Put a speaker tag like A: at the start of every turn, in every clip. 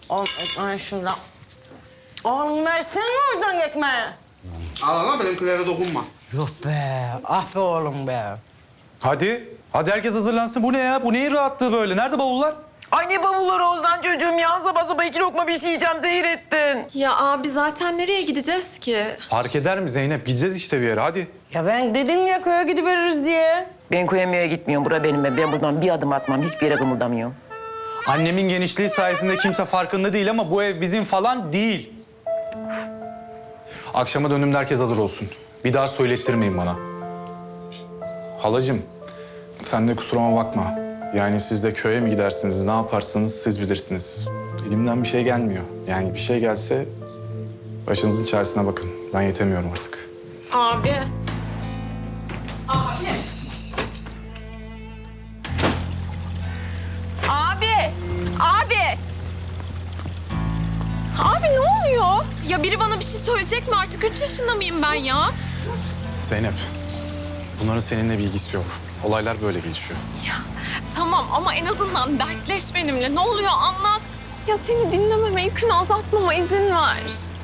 A: Oğlum ekmeği şuradan. Oğlum versene oradan ekmeği.
B: Al ama benimkilere dokunma.
A: Yok be, ah be oğlum be.
C: Hadi. Hadi herkes hazırlansın. Bu ne ya? Bu neyin rahatlığı böyle? Nerede bavullar?
D: Ay ne bavulları Ozan çocuğum ya. Sabah sabah 2 lokma bir şey yiyeceğim, zehir ettin.
E: Ya abi zaten nereye gideceğiz ki?
C: Fark eder mi Zeynep? Gideceğiz işte bir yere. Hadi.
A: Ya ben dedim ya köye gidiveririz diye.
D: Ben koyamaya gitmiyorum. Bura benim. Ben buradan bir adım atmam. Hiçbir yere kımıldamıyorum.
C: Annemin genişliği sayesinde kimse farkında değil ama bu ev bizim falan değil. Akşama döndüğümde herkes hazır olsun. Bir daha söylettirmeyin bana. Halacığım, sen de kusuruma bakma. Yani siz de köye mi gidersiniz, ne yaparsınız siz bilirsiniz. Elimden bir şey gelmiyor. Yani bir şey gelse başınızın çaresine bakın. Ben yetemiyorum artık.
E: Abi. Abi. Abi. Abi ne oluyor? Ya biri bana bir şey söyleyecek mi? Artık 3 yaşında mıyım ben ya?
C: Zeynep, bunların seninle bir ilgisi yok. Olaylar böyle gelişiyor.
E: Tamam ama en azından dertleş benimle. Ne oluyor anlat. Ya seni dinlememe, yükünü azaltmama izin ver.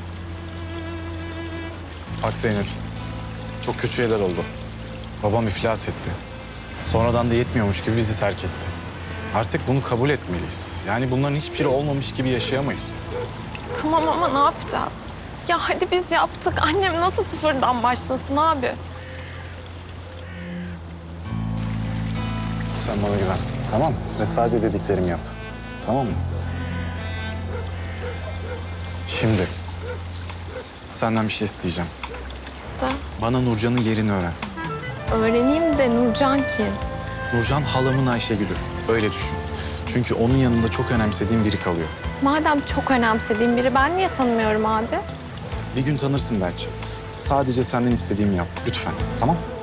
C: Bak Zeynep, çok kötü şeyler oldu. Babam iflas etti. Sonradan da yetmiyormuş gibi bizi terk etti. Artık bunu kabul etmeliyiz. Yani bunların hiçbiri olmamış gibi yaşayamayız.
E: Tamam ama ne yapacağız? Ya hadi biz yaptık. Annem nasıl sıfırdan başlasın abi?
C: Sen bana güven, tamam mı? Ve sadece dediklerimi yap, tamam mı? Şimdi senden bir şey isteyeceğim.
E: İşte
C: Bana Nurcan'ın yerini öğren.
E: öğreneyim de Nurcan kim?
C: Nurcan halamın Ayşegül'ü, öyle düşün. Çünkü onun yanında çok önemsediğim biri kalıyor.
E: Madem çok önemsediğim biri, ben niye tanımıyorum abi?
C: Bir gün tanırsın belki. Sadece senden istediğimi yap, lütfen, tamam?